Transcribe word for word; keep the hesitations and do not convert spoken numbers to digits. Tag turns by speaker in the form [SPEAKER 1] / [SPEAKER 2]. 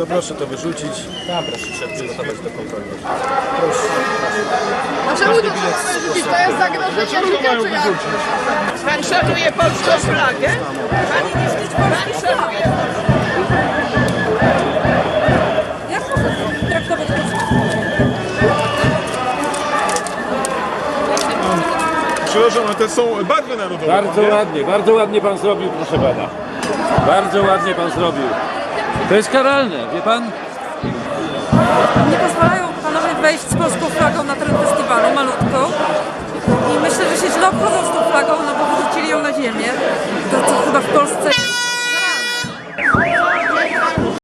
[SPEAKER 1] To proszę to wyrzucić. Tam proszę się przygotować do kontroli.
[SPEAKER 2] A czemu to trzeba wyrzucić? To jest zagrożenie życia, czy jak?
[SPEAKER 3] Pan szanuje polską flagę? Pan, pan szanuje.
[SPEAKER 4] Jak mogę traktować
[SPEAKER 5] Przepraszam, ale to są barwy narodowe.
[SPEAKER 6] Bardzo
[SPEAKER 5] nie?
[SPEAKER 6] ładnie, bardzo ładnie pan zrobił, proszę pana. Bardzo ładnie pan zrobił. To jest karalne, wie pan?
[SPEAKER 4] Nie pozwalają panowie wejść z polską flagą na teren festiwalu, malutką.